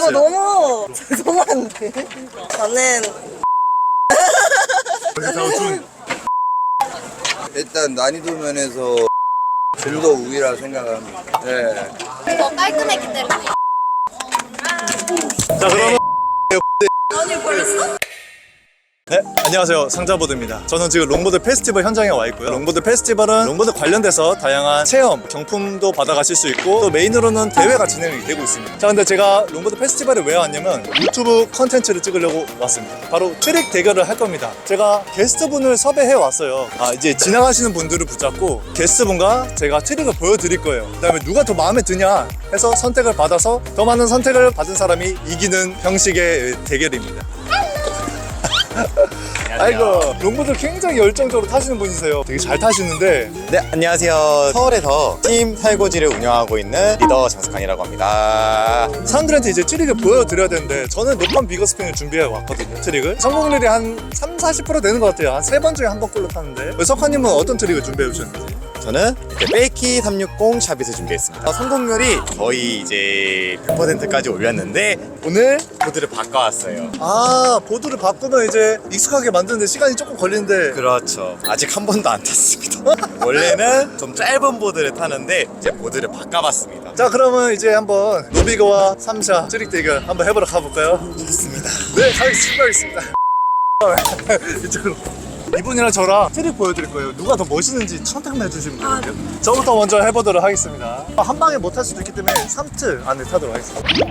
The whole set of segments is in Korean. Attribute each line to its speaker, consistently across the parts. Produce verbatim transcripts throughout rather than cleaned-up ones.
Speaker 1: 이거 너무 죄송한데. 저는
Speaker 2: 일단 난이도 면에서 좀 더 우위라 생각합니다. 네.
Speaker 1: 더 깔끔했기 때문에.
Speaker 3: 자, 그러면
Speaker 1: 아니 벌써?
Speaker 3: 네, 안녕하세요. 상자보드입니다. 저는 지금 롱보드 페스티벌 현장에 와 있고요. 롱보드 페스티벌은 롱보드 관련돼서 다양한 체험, 경품도 받아가실 수 있고 또 메인으로는 대회가 진행이 되고 있습니다. 자, 근데 제가 롱보드 페스티벌에 왜 왔냐면 유튜브 컨텐츠를 찍으려고 왔습니다. 바로 트릭 대결을 할 겁니다. 제가 게스트분을 섭외해 왔어요. 아, 이제 지나가시는 분들을 붙잡고 게스트분과 제가 트릭을 보여드릴 거예요. 그 다음에 누가 더 마음에 드냐 해서 선택을 받아서 더 많은 선택을 받은 사람이 이기는 형식의 대결입니다. 아이고, 롱보드 굉장히 열정적으로 타시는 분이세요. 되게 잘 타시는데.
Speaker 4: 네, 안녕하세요. 서울에서 팀 살고지를 운영하고 있는 리더 장석환이라고 합니다.
Speaker 3: 사람들한테 이제 트릭을 보여드려야 되는데 저는 높은 비거스핀을 준비해 왔거든요. 트릭을 성공률이 한 삼, 사십 퍼센트 되는 것 같아요. 한 세 번 중에 한 번꼴로 타는데 석환님은 어떤 트릭을 준비해 주셨는지?
Speaker 4: 저는 페이키 삼백육십 샤빗을 준비했습니다. 성공률이 거의 이제 백 퍼센트까지 올렸는데 오늘 보드를 바꿔왔어요.
Speaker 3: 아, 보드를 바꾸면 이제 익숙하게 만드는데 시간이 조금 걸리는데.
Speaker 4: 그렇죠. 아직 한 번도 안 탔습니다. 원래는 좀 짧은 보드를 타는데 이제 보드를 바꿔봤습니다.
Speaker 3: 자, 그러면 이제 한번 노비거와 삼샤 트릭 대결 한번 해보러 가볼까요?
Speaker 4: 좋습니다.
Speaker 3: 네, 가겠습니다. 이쪽으로. 이분이랑 저랑 트릭 보여드릴 거예요. 누가 더 멋있는지 선택만 해주시면 되거든요. 저부터 먼저 해보도록 하겠습니다. 한 방에 못 탈 수도 있기 때문에 삼 트 안에 타도록 하겠습니다.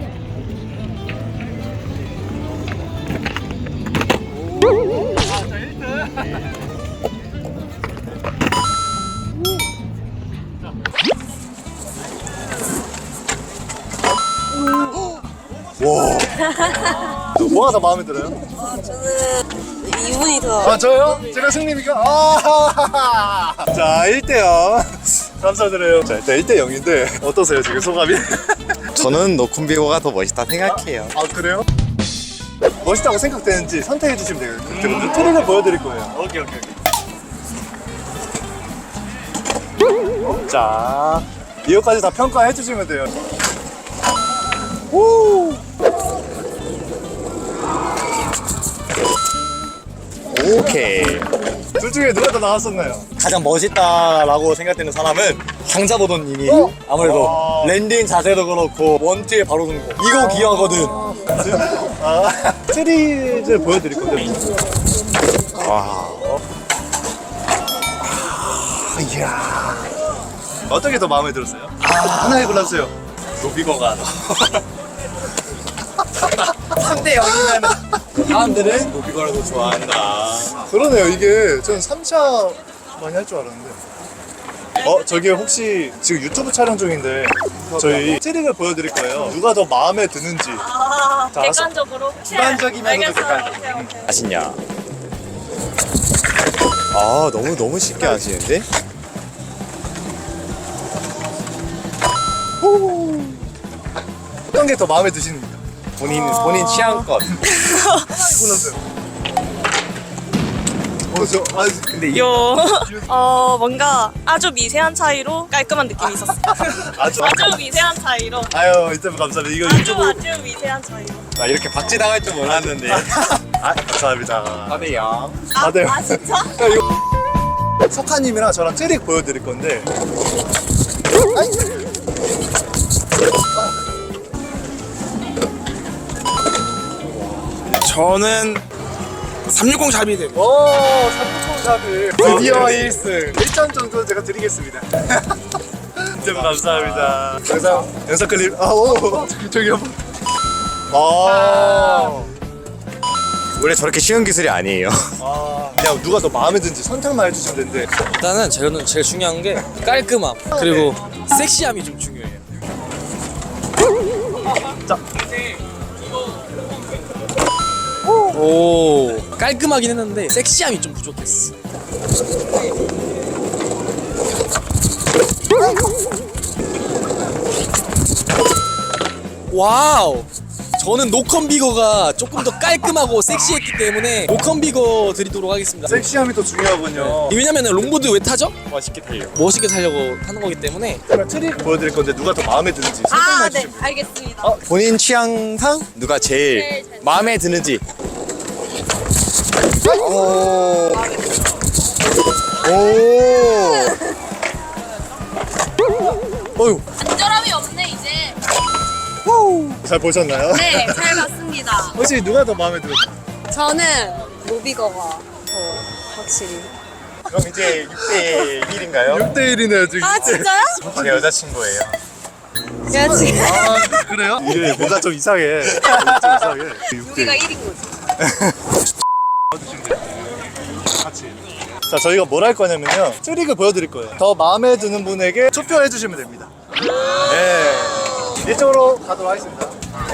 Speaker 3: 와, 뭐가 더 마음에 들어요?
Speaker 1: 아, 저는 이분이 더.
Speaker 3: 아, 저요? 제가 승리니까? 아, 자, 일 대 영. 감사드려요. 자, 일단 일 대 영인데 어떠세요, 지금 소감이?
Speaker 4: 저는 노콤비고가 더 멋있다 생각해요.
Speaker 3: 아, 그래요? 멋있다고 생각되는지 선택해 주시면 돼요. 그리고 트릭을 보여드릴 거예요. 오케이, 오케이, 오케이. 자, 이거까지 다 평가해 주시면 돼요. 오!
Speaker 4: 오케이.
Speaker 3: 둘 중에 누가 더 나왔었나요?
Speaker 4: 가장 멋있다라고 생각되는 사람은 장자보도님이
Speaker 3: 어?
Speaker 4: 아무래도
Speaker 3: 아.
Speaker 4: 랜딩 자세도 그렇고 원투에 바로 든 거. 이거 귀하거든.
Speaker 3: 아, 트릭을 보여드릴 거거든요.
Speaker 4: 와.
Speaker 3: 아, 이야. 어떻게 더 마음에 들었어요? 아, 하나에 골라주세요.
Speaker 4: 노비거가 삼 대 영이면 사람들은 노비거를 더 좋아한다.
Speaker 3: 그러네요. 이게 저는 삼 차 많이 할 줄 알았는데. 어, 저기 혹시 지금 유튜브 촬영 중인데 저희 트릭을 보여드릴 거예요. 누가 더 마음에 드는지.
Speaker 5: 아,
Speaker 3: 자,
Speaker 5: 객관적으로?
Speaker 4: 주관적이면서도
Speaker 5: 알겠어요.
Speaker 4: 객관적.
Speaker 5: 오케이, 오케이.
Speaker 4: 아시냐? 아, 너무 너무 쉽게 하시는데?
Speaker 3: 어떤 게 더 마음에 드시는지.
Speaker 4: 본인 본인 취향껏.
Speaker 3: 골라주세요. 어, 저, 아,
Speaker 4: 근데
Speaker 5: 요, 어, 뭔가 아주 미세한 차이로 깔끔한 느낌이 있었어요.
Speaker 3: 아주.
Speaker 5: 아주 미세한 차이로.
Speaker 3: 아유, 이때도 감사합니다. 이거
Speaker 5: 아주
Speaker 3: 유튜브.
Speaker 5: 아주 미세한 차이로.
Speaker 4: 아, 이렇게 박지 당할 줄 몰랐는데.
Speaker 3: 아, 감사합니다.
Speaker 4: 사 대 영.
Speaker 5: 아,
Speaker 3: 아, 네.
Speaker 5: 아 진짜?
Speaker 3: 야, 이거 석하님이랑 저랑 트릭 보여드릴 건데.
Speaker 6: 저는 삼백육십 샵이 되고
Speaker 3: 오, 삼백육십 샵이 드디어 일 승. 일 점 정도 제가 드리겠습니다. 진짜 감사합니다. 영상, 영상 클립. 아, 오, 저기, 저기 한번. 아,
Speaker 4: 원래 저렇게 쉬운 기술이 아니에요.
Speaker 3: 아, 그냥 누가 더 마음에 드는지 선택만 해주시면 되는데.
Speaker 7: 일단은 저는 제일 중요한 게 깔끔함 그리고 섹시함이 좀 중요해요.
Speaker 3: 자,
Speaker 7: 오 깔끔하긴 했는데 섹시함이 좀 부족했어. 와우 저는 노컨비거가 조금 더 깔끔하고 섹시했기 때문에 노컨비거 드리도록 하겠습니다.
Speaker 3: 섹시함이 또 중요하군요.
Speaker 7: 왜냐면 롱보드 왜 타죠?
Speaker 3: 멋있게 달려.
Speaker 7: 멋있게 타려고 타는 거기 때문에.
Speaker 3: 그러면 트릭 보여드릴 건데 누가 더 마음에 드는지
Speaker 1: 아,
Speaker 3: 선택해
Speaker 1: 네,
Speaker 3: 주시면 돼요.
Speaker 1: 알겠습니다.
Speaker 4: 본인 취향상 누가 제일
Speaker 1: 제일 잘
Speaker 4: 마음에 드는지. 오. 오.
Speaker 3: 어휴,
Speaker 1: 간절함이 없네, 이제.
Speaker 3: 잘 보셨나요?
Speaker 1: 네, 잘 봤습니다.
Speaker 3: 혹시 누가 더 마음에 들었어요?
Speaker 1: 저는 모비거가 더 확실히.
Speaker 4: 그럼 이제 육 대 일인가요?
Speaker 3: 육 대 일이네요 지금.
Speaker 1: 아, 진짜요?
Speaker 4: 제 여자친구예요.
Speaker 1: 야, 지금.
Speaker 3: 아, 그래요? 이게 뭔가 좀 이상해. 좀 이상해. 육 대 일.
Speaker 1: 우리가 일인 거지.
Speaker 3: 같이. 자, 저희가 뭘 할 거냐면요. 트릭을 보여드릴 거예요. 더 마음에 드는 분에게 투표해 주시면 됩니다. 네. 이쪽으로 가도록 하겠습니다.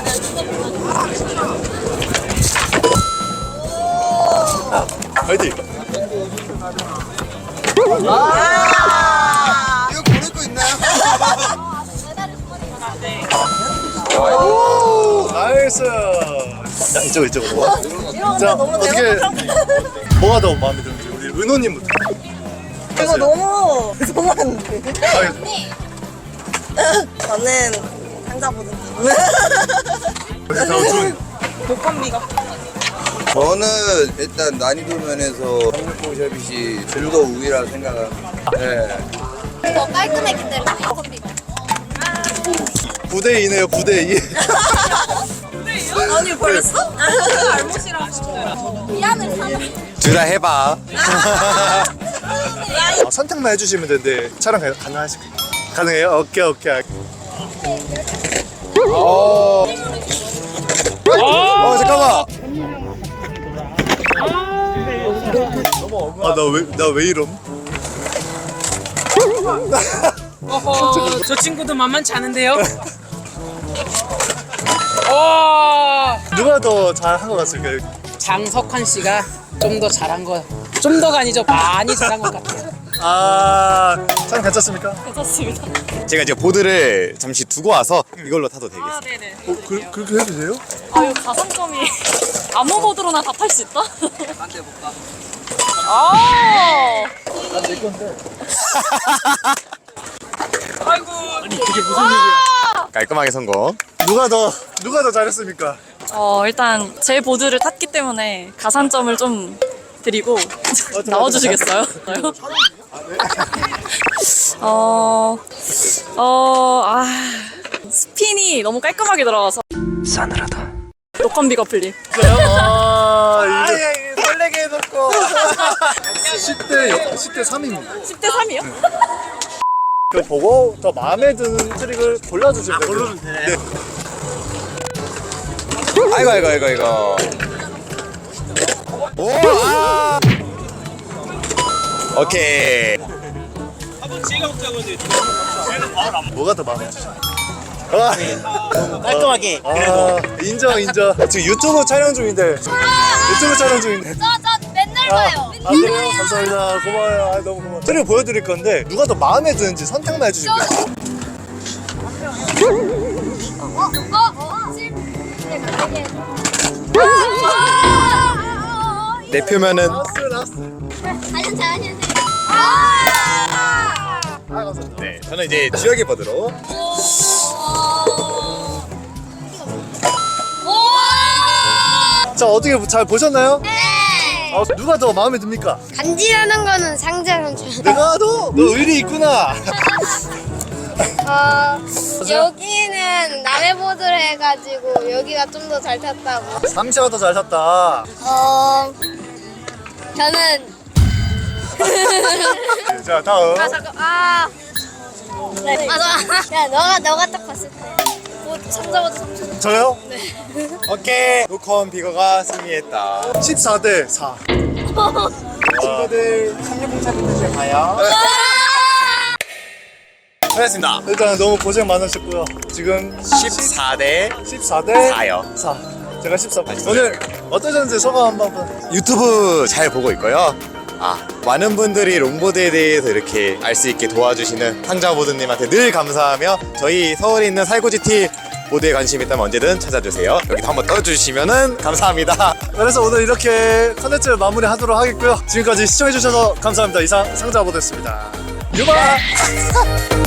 Speaker 3: 화이팅!
Speaker 2: 이거 보낼 거 있나요?
Speaker 3: 오, 나이스! 자, 이쪽, 이쪽으로.
Speaker 1: 이런
Speaker 3: 자,
Speaker 1: 거 너무
Speaker 3: 어떻게,
Speaker 1: 대박.
Speaker 3: 뭐가 더 마음에 드는지, 우리 은호님부터.
Speaker 1: 이거 너무 죄송한데.
Speaker 3: 아,
Speaker 1: 저는 상자보드.
Speaker 3: 준.
Speaker 5: 노컨비거.
Speaker 2: 저는 일단 난이도 면에서 삼육공 샤빗이 즐거 우위라 생각합니다. 네.
Speaker 1: 더 깔끔했기 때문에 컴비가.
Speaker 3: 구 대 이네요, 구 대 이.
Speaker 1: 아니 벌써? 미안해 사람.
Speaker 4: 둘 다 해봐.
Speaker 3: 아, 선택만 해주시면 되는데 촬영 가- 가능하실까요? 가능해요? 오케이, 오케이.
Speaker 4: 어, 잠깐만.
Speaker 3: 아, 나 왜, 나 왜 이럼?
Speaker 8: 어허, 저 친구도 만만치 않은데요? 어,
Speaker 3: 누가 더 잘한 것 같을까요?
Speaker 8: 장석환 씨가 좀 더 잘한 거, 좀 더가 아니죠, 많이 잘한 것 같아요.
Speaker 3: 아, 촬영 괜찮습니까?
Speaker 5: 괜찮습니다.
Speaker 4: 제가 이제 보드를 잠시 두고 와서 이걸로 타도 되겠어요.
Speaker 5: 아, 네네.
Speaker 3: 어, 그, 그렇게 해주세요?
Speaker 5: 아, 이거 가산점이 아무 보드로나 다 탈 수 있다? 안돼 볼까? 아.
Speaker 3: 난내 건데.
Speaker 5: 아이고.
Speaker 4: 깔끔하게 성공.
Speaker 3: 누가 더, 누가 더 잘했습니까?
Speaker 5: 어, 일단 제 보드를 탔기 때문에 가산점을 좀 드리고 나와주시겠어요? 어, 어, 아, 스핀이 너무 깔끔하게 들어가서 싸늘하다. 노컨비거 플립.
Speaker 3: 아, 이거
Speaker 4: 이거 설레게 해놓고.
Speaker 3: 십 대, 십 대 삼입니다.
Speaker 5: 십 대 삼이요?
Speaker 3: 그 보고 더 마음에 드는 트릭을 골라주시면 돼요. 고르면 돼.
Speaker 4: 아이고, 아이고, 아이고, 아이고. 오, 아! 오케이.
Speaker 3: 뭐가 더 마음에 드시나요? 아,
Speaker 6: 깔끔하게.
Speaker 3: 아, 인정, 인정. 지금 유튜브 촬영 중인데. 유튜브 촬영 중인데.
Speaker 1: 저, 저 맨날
Speaker 3: 아,
Speaker 1: 봐요.
Speaker 3: 아, 그래요? 감사합니다. 고마워요. 아, 너무 고마워요. 트릭 보여드릴 건데, 누가 더 마음에 드는지 선택만 해주시면 돼요.
Speaker 1: 어, 어, 칠. 네, 그게.
Speaker 4: 내 표면은
Speaker 3: 라스, 라스.
Speaker 1: 안녕하세요, 안녕하세요. 아!
Speaker 3: 아, 감사합니다.
Speaker 4: 네, 저는 이제 지역의 보드로.
Speaker 3: 자, 어떻게 잘 보셨나요?
Speaker 1: 네.
Speaker 3: 아, 누가 더 마음에 듭니까?
Speaker 1: 간지라는 거는 상자랑 저.
Speaker 3: 내가 더? 너 의리 있구나.
Speaker 1: 어, 여기는 남의 보드를 해가지고 여기가 좀 더 잘 탔다고.
Speaker 3: 삼시가 더 잘 탔다.
Speaker 1: 어, 저는
Speaker 3: 자, 다음.
Speaker 1: 아 잠깐 아. 네. 아, 너, 야 너가 너가 딱 봤을 때. 뭐 상자보다 삼천.
Speaker 3: 저요?
Speaker 4: 오케이. 노컨 비거가 승리했다.
Speaker 3: 십사 대 사.
Speaker 4: 친구들 삼육공 차비들 가요. 수고하셨습니다.
Speaker 3: 일단 너무 고생 많으셨고요. 지금
Speaker 4: 십사 대
Speaker 3: 십사 대
Speaker 4: 사요.
Speaker 3: 사. 제가 십사. 오늘 어떠셨는지 소감 한번.
Speaker 4: 유튜브 잘 보고 있고요. 아, 많은 분들이 롱보드에 대해서 이렇게 알 수 있게 도와주시는 상자보드님한테 늘 감사하며 저희 서울에 있는 살구지티 보드에 관심 있다면 언제든 찾아주세요. 여기도 한번 떠주시면 감사합니다.
Speaker 3: 그래서 오늘 이렇게 컨텐츠를 마무리하도록 하겠고요. 지금까지 시청해주셔서 감사합니다. 이상 상자보드였습니다. 유바!